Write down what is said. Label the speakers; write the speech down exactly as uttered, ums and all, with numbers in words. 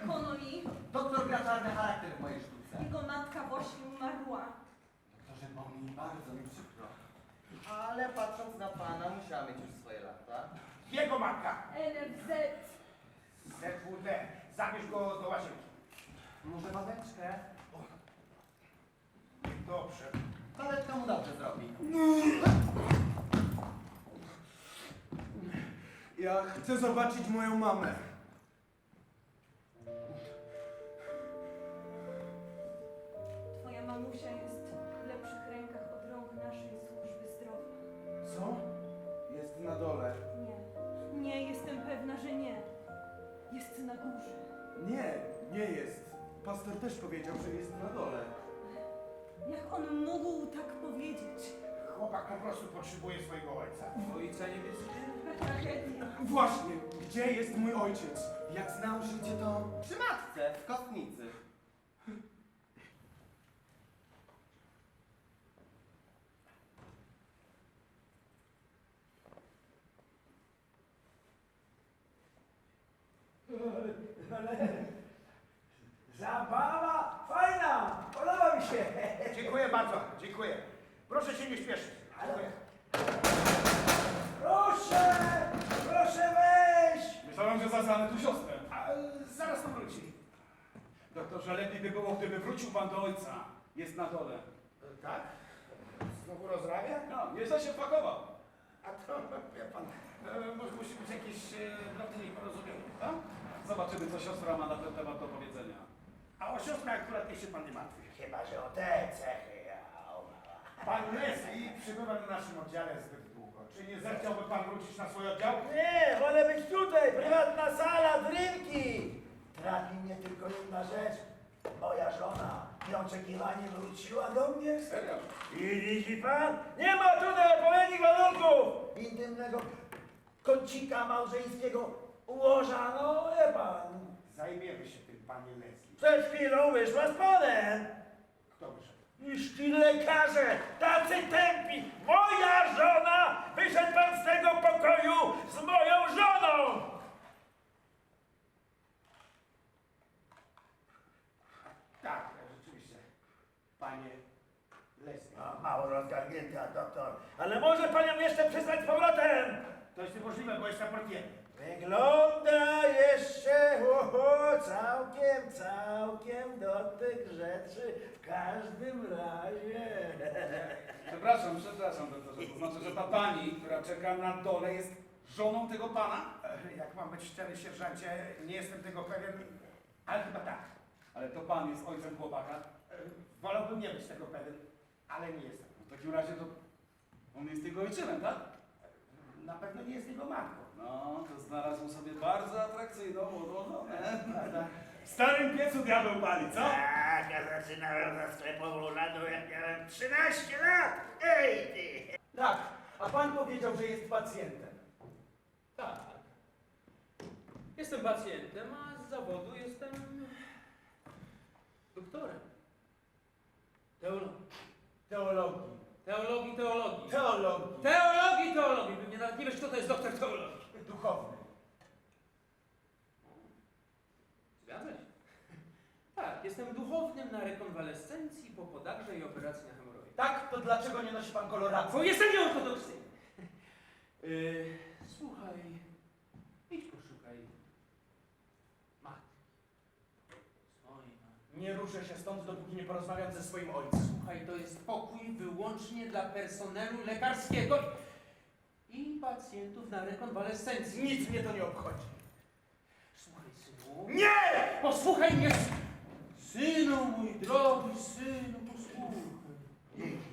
Speaker 1: Connolly.
Speaker 2: Doktor gra czarny charakter w mojej sztuce.
Speaker 1: Jego matka właśnie umarła.
Speaker 2: Doktorze, bo mi bardzo mi przykro. Ale patrząc na pana, musiała mieć już swoje lata.
Speaker 3: Jego matka!
Speaker 1: N F Z.
Speaker 3: Z W D. Zabierz go do łazienki.
Speaker 2: Może wadeczkę?
Speaker 3: Dobrze.
Speaker 2: Wadeczka mu dobrze zrobi.
Speaker 4: Ja chcę zobaczyć moją mamę.
Speaker 1: Twoja mamusia jest w lepszych rękach od rąk naszej służby zdrowia.
Speaker 4: Co? Jest na dole.
Speaker 1: Nie, nie, jestem pewna, że nie. Jest na górze.
Speaker 4: Nie, nie jest. Pastor też powiedział, że jest na dole.
Speaker 1: Jak on mógł tak powiedzieć?
Speaker 3: Chłopak po prostu potrzebuje swojego ojca.
Speaker 2: Ojca niebieskiego.
Speaker 1: Jaka tragedia.
Speaker 4: Właśnie, gdzie jest mój ojciec?
Speaker 2: Jak znał życie, to przy matce, w kostnicy.
Speaker 5: Ale zabawa fajna, podoba mi się.
Speaker 3: Dziękuję bardzo, dziękuję. Proszę się nie śpieszyć. Dziękuję.
Speaker 5: Proszę, proszę wejść.
Speaker 6: Myślałem, że zastanę tu siostrę.
Speaker 3: A, zaraz to wróci.
Speaker 6: Doktorze, lepiej by było, gdyby wrócił pan do ojca. Jest na dole.
Speaker 3: E, Tak? Znowu rozrabia?
Speaker 6: No, nieźle się pakował.
Speaker 3: A to, wie pan, e, może musi być jakieś e, drobne nieporozumienie.
Speaker 6: A? Zobaczymy, co siostra ma na ten temat do powiedzenia.
Speaker 3: A o siostrę akurat niech się pan nie martwi.
Speaker 5: Chyba, że o te cechy.
Speaker 3: Pan Leslie przybywa na naszym oddziale zbyt długo. Czy nie zechciałby pan wrócić na swój oddział?
Speaker 5: Nie, wolę być tutaj, prywatna sala, drinki. Trapi mnie tylko jedna rzecz. Moja żona nieoczekiwanie wróciła do mnie.
Speaker 6: Serio?
Speaker 5: I widzi pan? Nie ma tutaj odpowiednich warunków! Intymnego kącika małżeńskiego ułoża, no wie pan.
Speaker 3: Zajmiemy się tym, panie Leslie.
Speaker 5: Przed chwilą wyszła z panem.
Speaker 3: Kto wyszedł?
Speaker 5: Iż ci lekarze, tacy tępi! Moja żona! Wyszedł pan z tego pokoju z moją żoną!
Speaker 3: Tak, rzeczywiście. Panie Leslie.
Speaker 5: A, mało rozgarnięta, doktor. Ale może panią jeszcze przysłać z powrotem!
Speaker 3: To jest niemożliwe, bo jestem portierem.
Speaker 5: Wygląda jeszcze oho, całkiem, całkiem do tych rzeczy w każdym razie.
Speaker 6: Przepraszam, przepraszam, doktorze. To znaczy, że ta pani, która czeka na dole, jest żoną tego pana?
Speaker 3: E, Jak mam być szczery, sierżancie, nie jestem tego pewien, ale chyba tak.
Speaker 6: Ale to pan jest ojcem chłopaka?
Speaker 3: E, Wolałbym nie być tego pewien, ale nie jestem.
Speaker 6: W takim razie to on jest jego ojczymem, tak?
Speaker 3: Na pewno nie jest jego matką.
Speaker 6: No, to znalazł sobie bardzo atrakcyjną młodą żonę.
Speaker 3: Prawda?
Speaker 4: W starym piecu diabeł pali, co?
Speaker 5: Tak, ja zaczynałem za sklepową ladą, jak miałem trzynaście lat. Ej ty!
Speaker 4: Tak, a pan powiedział, że jest pacjentem.
Speaker 7: Tak. Jestem pacjentem, a z zawodu jestem doktorem. Teologii.
Speaker 4: Teologii.
Speaker 7: Teologii, teologii.
Speaker 4: Teologii.
Speaker 7: Teologii, teologii. Pewnie nawet nie wiesz, kto to jest doktor teologii.
Speaker 4: Duchowny.
Speaker 7: Zgadza się. Tak, jestem duchownym na rekonwalescencji po podagrze i operacji na hemoroidzie.
Speaker 4: Tak, to dlaczego nie nosi pan koloracji?
Speaker 7: Bo jestem nieortodoksyjny. Yy, słuchaj, idź poszukaj matki. Swojej matki.
Speaker 4: Nie ruszę się stąd, dopóki nie porozmawiam ze swoim ojcem.
Speaker 7: Słuchaj, to jest pokój wyłącznie dla personelu lekarskiego i pacjentów na rekonwalescencji.
Speaker 4: Nic mnie to nie obchodzi.
Speaker 7: Słuchaj, synu.
Speaker 4: Nie!
Speaker 7: Posłuchaj mnie! Synu, mój drogi synu, posłuchaj.